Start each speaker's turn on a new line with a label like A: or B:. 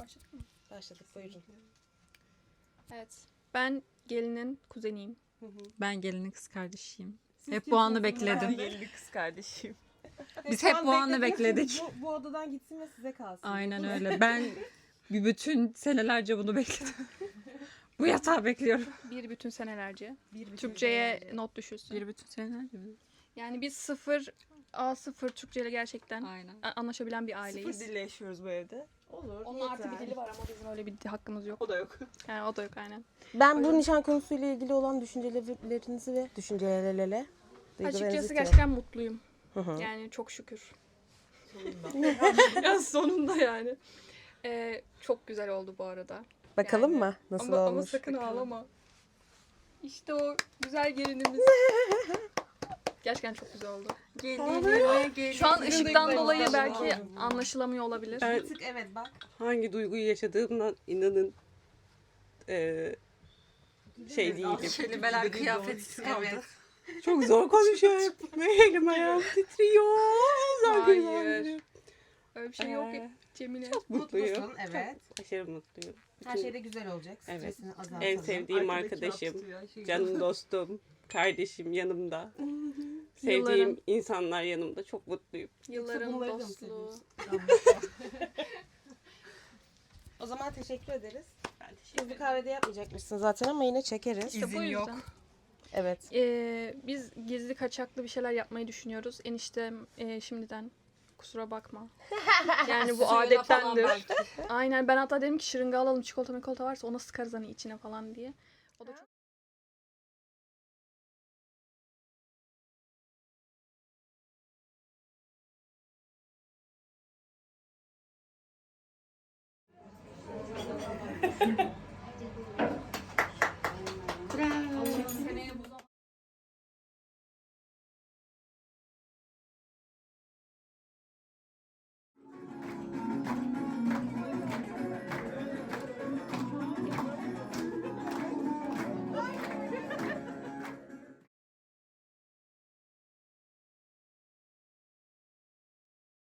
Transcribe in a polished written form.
A: Başladık mı?
B: Başladık, buyurun.
A: Evet. Ben gelinin kuzeniyim.
C: Ben gelinin kız kardeşiyim.
B: Siz
C: Hep bu anı
B: kimsiniz
C: bekledim.
B: hanımefendi?
D: Gelin kız kardeşim.
C: Biz
B: Şu
C: hep
B: an
C: bu anı
B: beklediğiniz
C: bekledik.
B: Bu odadan gitsin ve size kalsın.
C: Aynen öyle. Ben bir bütün senelerce bunu bekledim. Bu yatağı bekliyorum.
A: Bir bütün senelerce.
B: Bir bütün
A: Türkçe'ye
B: senelerce.
A: not düşülsün.
C: Bir bütün senelerce mi?
A: Yani biz sıfır A0 Türkçe'yle gerçekten
C: Aynen.
A: anlaşabilen bir
D: Sıfır
A: aileyiz.
D: dille yaşıyoruz bu evde.
B: Olur.
A: Onun
B: yeter.
A: artı bir dili var ama bizim öyle bir hakkımız yok.
D: O da yok.
A: Yani o da yok aynen.
B: Ben bu nişan konusuyla ilgili olan düşüncelerinizi ve düşüncelerle
A: Açıkçası gerçekten mutluyum.
B: Hı hı.
A: Yani çok şükür.
D: Sonunda.
A: Ya sonunda yani. Çok güzel oldu bu arada.
B: Bakalım
A: Yani.
B: mı nasıl
A: Ama
B: olmuş?
A: sakın ağlama. İşte o güzel gelinimiz. Gerçekten çok güzel oldu. Şu an ışıktan
B: güzel
A: dolayı
B: oldu.
A: belki anlaşılamıyor olabilir.
E: Ben
B: Bir tık evet bak.
E: hangi duyguyu yaşadığımdan inanın şey değilim.
C: Kelimeler kıyafetsiz kaldı.
B: Evet.
E: Çok zor konuşuyorum. Elim ayağım titriyor.
A: Hayır. Öyle bir şey yok ya Cemile.
E: Mutluyum.
B: Mutlusun evet.
E: Aşırı mutluyum.
B: Her şey de güzel olacak.
E: Evet.
B: Stresini azaltalım.
E: En sevdiğim arkadaşım, canım dostum, kardeşim yanımda. Sevdiğim
A: Yılların-
E: insanlar yanımda. Çok mutluyum.
A: Yılların
B: bunları da mı
A: dostluğu.
B: O zaman teşekkür ederiz.
E: Ben teşekkür
B: Biz bu
E: ederim.
B: kahvede yapmayacakmışsın zaten ama yine çekeriz.
A: İşte bu yüzden.
B: Evet.
A: Biz gizli kaçaklı bir şeyler yapmayı düşünüyoruz. Eniştem şimdiden kusura bakma. Yani bu adettendir. Aynen ben hatta dedim ki şırınga alalım çikolata varsa ona sıkarız hani içine falan diye. O da çok